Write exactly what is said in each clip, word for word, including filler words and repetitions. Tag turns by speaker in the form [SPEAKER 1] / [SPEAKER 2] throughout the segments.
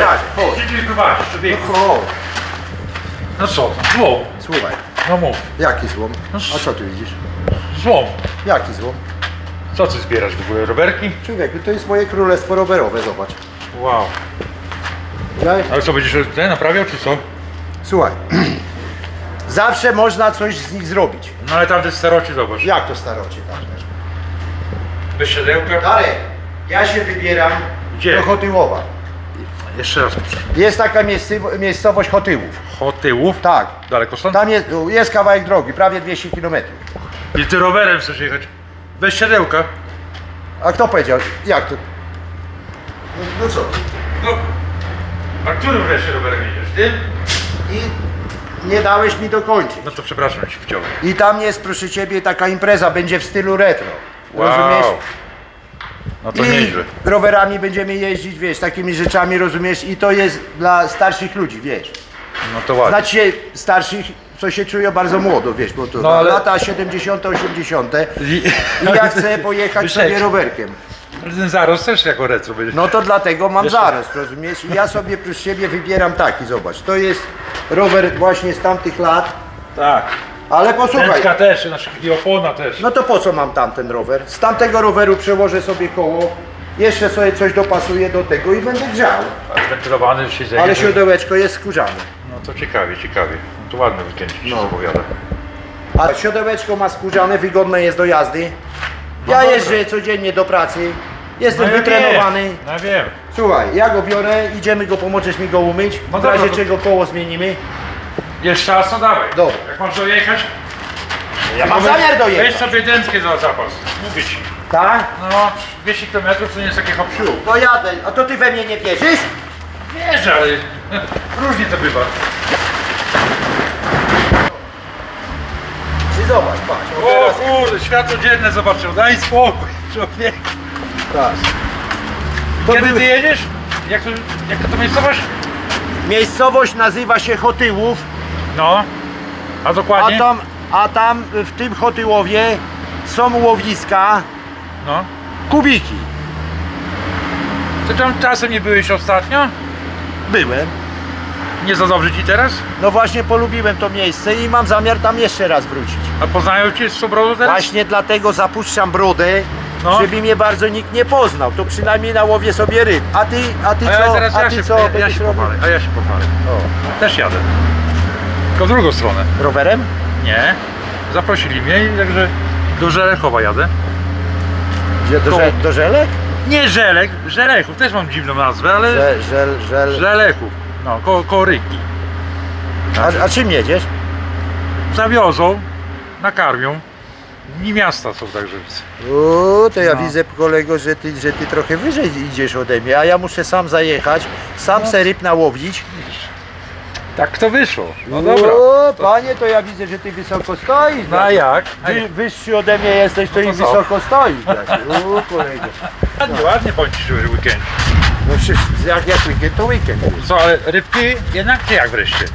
[SPEAKER 1] pokażę. Chodź.
[SPEAKER 2] Gdzie mnie prowadzisz, człowieku?
[SPEAKER 1] O,
[SPEAKER 2] No co, złom.
[SPEAKER 1] słuchaj,
[SPEAKER 2] No mów.
[SPEAKER 1] jaki złom? A co tu widzisz?
[SPEAKER 2] Złom.
[SPEAKER 1] Jaki złom?
[SPEAKER 2] Co ty zbierasz w ogóle, rowerki?
[SPEAKER 1] Człowieku, to jest moje królestwo rowerowe, zobacz.
[SPEAKER 2] Wow.
[SPEAKER 1] Ja,
[SPEAKER 2] Ale co, będziesz te naprawiał, czy co?
[SPEAKER 1] słuchaj, zawsze można coś z nich zrobić.
[SPEAKER 2] No ale tam te starocie, zobacz.
[SPEAKER 1] Jak to starocie? Tak?
[SPEAKER 2] Bez siodełka?
[SPEAKER 1] Darek, ja się wybieram
[SPEAKER 2] Gdzie?
[SPEAKER 1] do Chotyłowa.
[SPEAKER 2] Jeszcze raz proszę.
[SPEAKER 1] Jest taka miejscowo- miejscowość Chotyłów.
[SPEAKER 2] Chotyłów?
[SPEAKER 1] Tak.
[SPEAKER 2] Daleko stąd?
[SPEAKER 1] Tam jest, jest kawałek drogi, prawie dwieście kilometrów.
[SPEAKER 2] I ty rowerem chcesz jechać? Bez siodełka?
[SPEAKER 1] A kto powiedział? Jak to? No, no co?
[SPEAKER 2] No. A którym wreszcie rowerem jedziesz? Tym?
[SPEAKER 1] I nie dałeś mi dokończyć.
[SPEAKER 2] No to przepraszam ci wciąłem.
[SPEAKER 1] I tam jest, proszę ciebie, taka impreza, będzie w stylu retro.
[SPEAKER 2] Wow.
[SPEAKER 1] Rozumiesz?
[SPEAKER 2] No to
[SPEAKER 1] I
[SPEAKER 2] nieźle.
[SPEAKER 1] rowerami będziemy jeździć, wiesz, takimi rzeczami, rozumiesz? I to jest dla starszych ludzi, wiesz.
[SPEAKER 2] No to ładnie.
[SPEAKER 1] Znaczy się starszych, co się czują bardzo młodo, wiesz, bo to
[SPEAKER 2] No, ale-
[SPEAKER 1] lata siedemdziesiąte, osiemdziesiąte.
[SPEAKER 2] I,
[SPEAKER 1] I ja chcę pojechać sobie rowerkiem.
[SPEAKER 2] Ten zarost też jako retro będzie.
[SPEAKER 1] No to dlatego mam
[SPEAKER 2] Jeszcze-
[SPEAKER 1] zarost, rozumiesz? I ja sobie przez siebie wybieram taki, zobacz. To jest rower właśnie z tamtych lat,
[SPEAKER 2] Tak.
[SPEAKER 1] ale posłuchaj.
[SPEAKER 2] Pętka też, znaczy i opona też.
[SPEAKER 1] No to po co mam tamten rower? Z tamtego roweru przełożę sobie koło, jeszcze sobie coś dopasuję do tego i będę grzał.
[SPEAKER 2] A zwentylowany siedzenie.
[SPEAKER 1] Ale
[SPEAKER 2] to-
[SPEAKER 1] siodełeczko jest skórzane.
[SPEAKER 2] No to ciekawie, ciekawie. No to ładny weekend ci się
[SPEAKER 1] No.
[SPEAKER 2] zapowiada.
[SPEAKER 1] A siodełeczko ma skórzane, wygodne jest do jazdy. Ja
[SPEAKER 2] dobra.
[SPEAKER 1] jeżdżę codziennie do pracy, jestem
[SPEAKER 2] No ja
[SPEAKER 1] wytrenowany.
[SPEAKER 2] Wiem. No wiem.
[SPEAKER 1] Słuchaj, ja go biorę, idziemy go, pomożesz mi go umyć,
[SPEAKER 2] No
[SPEAKER 1] w razie
[SPEAKER 2] dobra, to-
[SPEAKER 1] czego koło zmienimy.
[SPEAKER 2] Jest czas, to dawaj.
[SPEAKER 1] Dobra.
[SPEAKER 2] Jak masz dojechać?
[SPEAKER 1] Ja mam
[SPEAKER 2] to weź-
[SPEAKER 1] zamiar dojechać.
[SPEAKER 2] Weź sobie dętkę za zapas. Mówię ci.
[SPEAKER 1] Tak?
[SPEAKER 2] No, dwieście kilometrów to nie jest takie hop siu.
[SPEAKER 1] To jadę, a to ty we mnie nie wierzysz?
[SPEAKER 2] Wiesz, ale różnie to bywa.
[SPEAKER 1] Ty zobacz, patrz. O,
[SPEAKER 2] O
[SPEAKER 1] teraz,
[SPEAKER 2] kurde, światło dzienne zobaczył. Daj spokój, człowiek.
[SPEAKER 1] patrz. To
[SPEAKER 2] Kiedy
[SPEAKER 1] były-
[SPEAKER 2] ty jedziesz? Jak to, jak to miejscowość?
[SPEAKER 1] Miejscowość nazywa się Chotyłów,
[SPEAKER 2] No. A
[SPEAKER 1] a
[SPEAKER 2] dokładnie?
[SPEAKER 1] tam, a tam w tym Chotyłowie są łowiska,
[SPEAKER 2] No.
[SPEAKER 1] kubiki.
[SPEAKER 2] Ty tam czasem nie byłeś ostatnio?
[SPEAKER 1] Byłem.
[SPEAKER 2] Nie za dobrze ci teraz?
[SPEAKER 1] No właśnie polubiłem to miejsce i mam zamiar tam jeszcze raz wrócić.
[SPEAKER 2] A poznają cię z Sobrodu teraz?
[SPEAKER 1] Właśnie dlatego zapuszczam brodę,
[SPEAKER 2] No.
[SPEAKER 1] żeby mnie bardzo nikt nie poznał. To przynajmniej nałowię sobie ryb. A ty, a ty
[SPEAKER 2] A ja
[SPEAKER 1] co?
[SPEAKER 2] teraz
[SPEAKER 1] A
[SPEAKER 2] ja
[SPEAKER 1] ty
[SPEAKER 2] się,
[SPEAKER 1] co?
[SPEAKER 2] ja, ja
[SPEAKER 1] będziesz
[SPEAKER 2] się
[SPEAKER 1] robił?
[SPEAKER 2] pochwalę, a ja się pochwalę.
[SPEAKER 1] O.
[SPEAKER 2] Też jadę. Tylko w drugą stronę.
[SPEAKER 1] Rowerem?
[SPEAKER 2] Nie. Zaprosili mnie i także do Żelechowa jadę.
[SPEAKER 1] Gdzie, do,
[SPEAKER 2] Koło-
[SPEAKER 1] żel, do Żelek?
[SPEAKER 2] Nie Żelek, Żelechów, też mam dziwną nazwę, ale
[SPEAKER 1] Żel, żel, żel.
[SPEAKER 2] Żelechów. No, koło, koło Ryki.
[SPEAKER 1] A, a czym jedziesz?
[SPEAKER 2] Zawiozą, nakarmią. Dni miasta są także.
[SPEAKER 1] O, to ja
[SPEAKER 2] No.
[SPEAKER 1] widzę, kolego, że ty, że ty trochę wyżej idziesz ode mnie, a ja muszę sam zajechać, sam
[SPEAKER 2] No.
[SPEAKER 1] se ryb nałowić.
[SPEAKER 2] Tak to wyszło. No dobra.
[SPEAKER 1] O, panie, to ja widzę, że ty wysoko stoisz.
[SPEAKER 2] No a jak? A
[SPEAKER 1] Wy,
[SPEAKER 2] jak?
[SPEAKER 1] wyższy ode mnie jesteś, to
[SPEAKER 2] No
[SPEAKER 1] i
[SPEAKER 2] to co?
[SPEAKER 1] wysoko stoisz. bracie. O, kolego.
[SPEAKER 2] Ładnie, ładnie bądź w weekend.
[SPEAKER 1] No przecież jak, jak weekend, to weekend.
[SPEAKER 2] Co, ale rybki jednak czy jak wreszcie?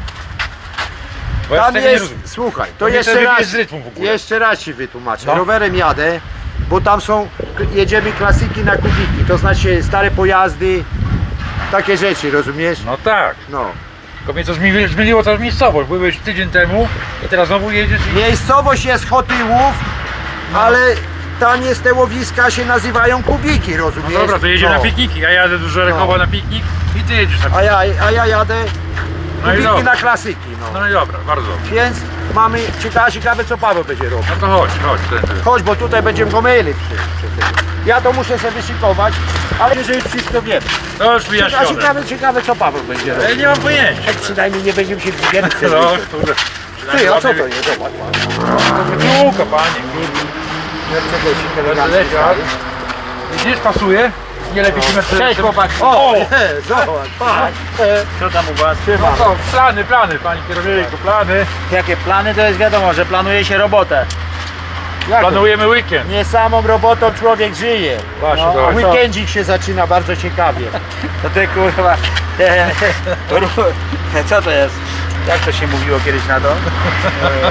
[SPEAKER 2] Bo ja
[SPEAKER 1] Tam
[SPEAKER 2] tego nie
[SPEAKER 1] jest,
[SPEAKER 2] rozumiem.
[SPEAKER 1] słuchaj, to
[SPEAKER 2] Bo mnie
[SPEAKER 1] jeszcze
[SPEAKER 2] to
[SPEAKER 1] raz,
[SPEAKER 2] wybije z rytmu w ogóle.
[SPEAKER 1] jeszcze raz ci wytłumaczę.
[SPEAKER 2] No.
[SPEAKER 1] Rowerem jadę, bo tam są, jedziemy klasyki na kubiki, to znaczy stare pojazdy, takie rzeczy, rozumiesz?
[SPEAKER 2] No tak.
[SPEAKER 1] No.
[SPEAKER 2] Tylko mnie to zmieni- zmieniło ta miejscowość. Byłeś tydzień temu i teraz znowu jedziesz i...
[SPEAKER 1] Miejscowość jest Chotyłów,
[SPEAKER 2] No.
[SPEAKER 1] ale tam jest te łowiska, się nazywają kubiki,
[SPEAKER 2] No
[SPEAKER 1] rozumiesz?
[SPEAKER 2] dobra, to jedziemy
[SPEAKER 1] No.
[SPEAKER 2] na pikniki. Ja jadę do Żelechowa
[SPEAKER 1] No.
[SPEAKER 2] na piknik i ty jedziesz na
[SPEAKER 1] A
[SPEAKER 2] piknik.
[SPEAKER 1] ja, a ja jadę
[SPEAKER 2] No i
[SPEAKER 1] kubiki
[SPEAKER 2] dobra.
[SPEAKER 1] na klasyki, no.
[SPEAKER 2] No i dobra, bardzo dobrze.
[SPEAKER 1] Więc mamy, ciekawe, ciekawe co Paweł będzie robił.
[SPEAKER 2] No to chodź, chodź. Tędy.
[SPEAKER 1] Chodź, bo tutaj będziemy go myli przy, przy tym. Ja to muszę sobie wyszykować, ale że już wszystko wiem.
[SPEAKER 2] To już
[SPEAKER 1] A
[SPEAKER 2] wyjaśnione.
[SPEAKER 1] ciekawe, ciekawe co Paweł będzie
[SPEAKER 2] Ja
[SPEAKER 1] robił.
[SPEAKER 2] nie mam pojęcia.
[SPEAKER 1] Tak przynajmniej nie będziemy się widzieli.
[SPEAKER 2] No, kurde.
[SPEAKER 1] Ty, a co to jest? Zobacz.
[SPEAKER 2] Piłka, panie.
[SPEAKER 1] Mercedesik
[SPEAKER 2] Mercedesia.
[SPEAKER 1] elegancki stary.
[SPEAKER 2] Widzisz, pasuje? Nie lepiej się Mercedes-
[SPEAKER 1] Cześć chłopaki.
[SPEAKER 2] O!
[SPEAKER 1] O, zobacz, patrz.
[SPEAKER 3] Co tam u was?
[SPEAKER 2] No to plany, plany, panie kierowniku, plany.
[SPEAKER 3] Jakie plany? To jest wiadomo, że planuje się robotę.
[SPEAKER 1] Jak to?
[SPEAKER 2] Planujemy weekend.
[SPEAKER 1] Nie samą robotą człowiek żyje.
[SPEAKER 2] Właśnie,
[SPEAKER 1] No,
[SPEAKER 2] zobacz.
[SPEAKER 1] weekendzik się zaczyna bardzo ciekawie.
[SPEAKER 3] To ty kurwa. Co to jest? Jak to się mówiło kiedyś na to?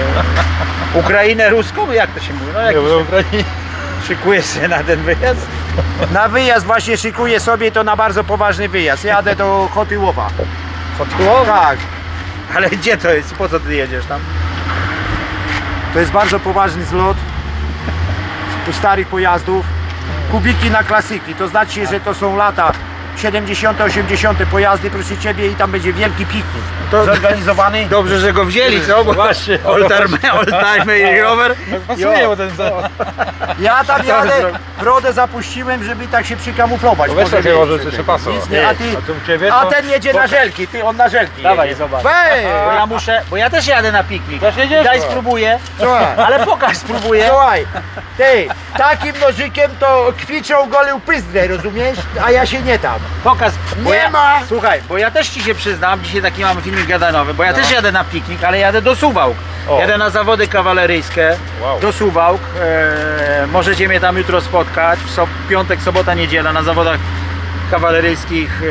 [SPEAKER 3] Ukrainę ruską? Jak to się mówi? No jak
[SPEAKER 2] Nie, bo Ukrainie.
[SPEAKER 3] szykujesz się na ten wyjazd?
[SPEAKER 1] Na wyjazd właśnie szykuję sobie, to na bardzo poważny wyjazd. Jadę do Chotyłowa.
[SPEAKER 2] Chotyłowa?
[SPEAKER 1] Tak,
[SPEAKER 3] Ale gdzie to jest? Po co ty jedziesz tam?
[SPEAKER 1] to jest bardzo poważny zlot z starych pojazdów. Kubiki na klasyki, to znaczy, że to są lata siedemdziesiąte, osiemdziesiąte pojazdy, proszę Ciebie, i tam będzie wielki piknik
[SPEAKER 3] To-
[SPEAKER 1] zorganizowany.
[SPEAKER 3] Dobrze, że go wzięli, co? Bo
[SPEAKER 2] Właśnie.
[SPEAKER 3] oldtimer, oldtimer i rower.
[SPEAKER 2] Pasuje,
[SPEAKER 3] Jo.
[SPEAKER 2] bo ten...
[SPEAKER 1] Ja tam
[SPEAKER 3] to
[SPEAKER 1] jadę,
[SPEAKER 3] zrobi?
[SPEAKER 1] brodę zapuściłem, żeby tak się przykamuflować.
[SPEAKER 2] Weź
[SPEAKER 1] Może
[SPEAKER 2] takie
[SPEAKER 1] wiecie,
[SPEAKER 2] może
[SPEAKER 1] że
[SPEAKER 2] jeszcze
[SPEAKER 1] tak.
[SPEAKER 2] pasą.
[SPEAKER 1] Nic nie, a ty,
[SPEAKER 2] A tu u ciebie
[SPEAKER 1] a
[SPEAKER 2] to-
[SPEAKER 1] ten jedzie na żelki, ty, on na żelki
[SPEAKER 3] Dawaj,
[SPEAKER 1] jedzie.
[SPEAKER 3] zobacz.
[SPEAKER 1] Wej!
[SPEAKER 3] Bo ja muszę, bo ja też jadę na piknik.
[SPEAKER 2] Też jedziesz?
[SPEAKER 3] Daj
[SPEAKER 2] No.
[SPEAKER 3] spróbuję,
[SPEAKER 1] Słuchaj.
[SPEAKER 3] ale pokaż spróbuję.
[SPEAKER 1] Słuchaj, ty, takim nożykiem to kwiczą golił pyzdrę, rozumiesz? A ja się nie tam.
[SPEAKER 3] Pokaż. Bo
[SPEAKER 1] Nie
[SPEAKER 3] ja,
[SPEAKER 1] ma.
[SPEAKER 3] Słuchaj, bo ja też ci się przyznam, dzisiaj taki mamy filmik gadanowy, bo ja
[SPEAKER 1] No.
[SPEAKER 3] też jadę na piknik, ale jadę do Suwałk.
[SPEAKER 2] O.
[SPEAKER 3] Jadę na zawody kawaleryjskie
[SPEAKER 2] Wow.
[SPEAKER 3] do Suwałk. E, możecie mnie tam jutro spotkać. W so, piątek, sobota, niedziela na zawodach kawaleryjskich e,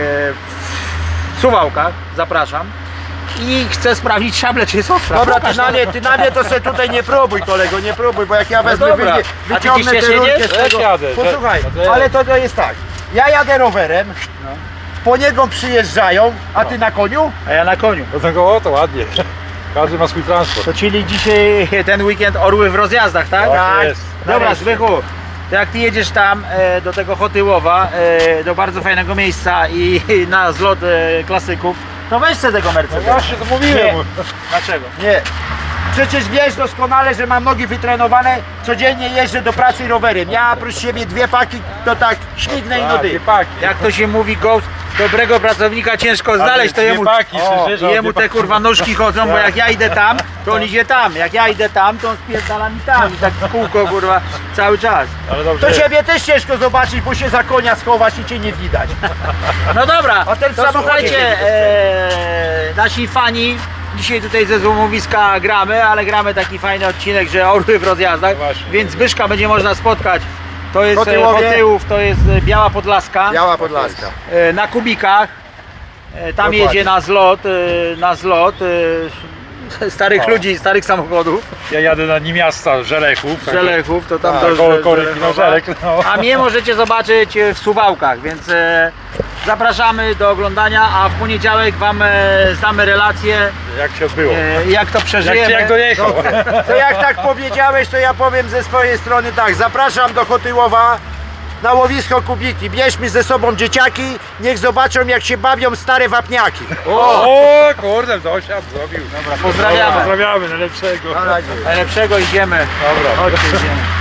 [SPEAKER 3] w Suwałkach. Zapraszam. I chcę sprawdzić szable, czy jest ostra.
[SPEAKER 1] Dobra,
[SPEAKER 3] Pokaż
[SPEAKER 1] ty na
[SPEAKER 3] to.
[SPEAKER 1] mnie, ty na mnie to se tutaj nie próbuj, kolego, nie próbuj, bo jak ja wezmę,
[SPEAKER 3] dobra.
[SPEAKER 1] wyjdzie,
[SPEAKER 3] A ty
[SPEAKER 1] wyciągnę
[SPEAKER 3] gdzieś
[SPEAKER 1] tę rurkę
[SPEAKER 3] jedziesz?
[SPEAKER 1] z
[SPEAKER 2] Ja
[SPEAKER 1] tego.
[SPEAKER 2] jadę,
[SPEAKER 1] Posłuchaj,
[SPEAKER 2] to- to ja-
[SPEAKER 1] ale to, to jest tak, ja jadę rowerem,
[SPEAKER 3] No.
[SPEAKER 1] po niego przyjeżdżają, a ty na koniu?
[SPEAKER 3] A ja na koniu.
[SPEAKER 2] Do tego, o, to ładnie. Każdy ma swój transport.
[SPEAKER 3] To czyli dzisiaj ten weekend orły w rozjazdach, tak?
[SPEAKER 2] Tak jest.
[SPEAKER 3] Dobra,
[SPEAKER 1] Nareszcie.
[SPEAKER 3] Zbychu, to jak ty jedziesz tam e, do tego Chotyłowa, e, do bardzo fajnego miejsca i, i na zlot e, klasyków, to weź sobie tego
[SPEAKER 2] No
[SPEAKER 3] Mercedesa.
[SPEAKER 2] właśnie, to mówiłem.
[SPEAKER 1] Nie.
[SPEAKER 3] Dlaczego?
[SPEAKER 1] Nie. Przecież wiesz doskonale, że mam nogi wytrenowane, codziennie jeżdżę do pracy rowerem. Ja oprócz siebie dwie paki, to tak śmignę i
[SPEAKER 2] A,
[SPEAKER 1] no
[SPEAKER 2] dwie
[SPEAKER 1] dy.
[SPEAKER 2] paki.
[SPEAKER 3] Jak to się mówi, Ghost, dobrego pracownika ciężko znaleźć, to
[SPEAKER 2] dwie
[SPEAKER 3] jemu,
[SPEAKER 2] paki,
[SPEAKER 3] o,
[SPEAKER 2] słyszysz, o,
[SPEAKER 3] jemu
[SPEAKER 2] dwie
[SPEAKER 3] te
[SPEAKER 2] paki.
[SPEAKER 3] kurwa nóżki chodzą, bo jak ja idę tam, to on idzie tam, jak ja idę tam, to on spierdala mi tam i tak w kółko kurwa cały czas.
[SPEAKER 2] Ale dobrze.
[SPEAKER 1] To ciebie też ciężko zobaczyć, bo się za konia schowasz i cię nie widać.
[SPEAKER 3] No dobra,
[SPEAKER 1] A ten
[SPEAKER 3] to
[SPEAKER 1] samochód
[SPEAKER 3] słuchajcie,
[SPEAKER 1] jedzie.
[SPEAKER 3] e, nasi fani, dzisiaj tutaj ze złomowiska gramy, ale gramy taki fajny odcinek, że orły w rozjazdach,
[SPEAKER 2] Właśnie.
[SPEAKER 3] więc Zbyszka będzie można spotkać. To jest e,
[SPEAKER 1] Chotyłowie.
[SPEAKER 3] Chotyłów, to jest e, Biała Podlaska,
[SPEAKER 1] Biała Podlaska.
[SPEAKER 3] e, na kubikach. E, Tam
[SPEAKER 1] Dokładnie.
[SPEAKER 3] jedzie na zlot, e, na zlot e, starych
[SPEAKER 2] O.
[SPEAKER 3] ludzi, starych samochodów,
[SPEAKER 2] Ja jadę na Nimiasta Żelechów. także-
[SPEAKER 3] Żelechów, to tam
[SPEAKER 2] Tak,
[SPEAKER 3] do
[SPEAKER 2] koło
[SPEAKER 3] Żel-
[SPEAKER 2] Koryki, no,
[SPEAKER 3] Żelechowa.
[SPEAKER 2] Żelek, no.
[SPEAKER 3] A mnie możecie zobaczyć e, w Suwałkach, więc e, zapraszamy do oglądania, a w poniedziałek Wam e, zdamy relację,
[SPEAKER 2] Jak się odbyło.
[SPEAKER 3] e, jak to
[SPEAKER 2] Jak,
[SPEAKER 3] przeżyjemy.
[SPEAKER 2] jak dojechał.
[SPEAKER 1] To jak tak powiedziałeś, to ja powiem ze swojej strony tak. Zapraszam do Chotyłowa na łowisko Kubiki. Bierzmy ze sobą dzieciaki, niech zobaczą, jak się bawią stare wapniaki.
[SPEAKER 2] O, kurde, dosiad zrobił.
[SPEAKER 3] Pozdrawiamy.
[SPEAKER 2] Pozdrawiamy, najlepszego.
[SPEAKER 1] Na razie.
[SPEAKER 3] Najlepszego idziemy.
[SPEAKER 2] Dobra.
[SPEAKER 3] Chodźcie, idziemy.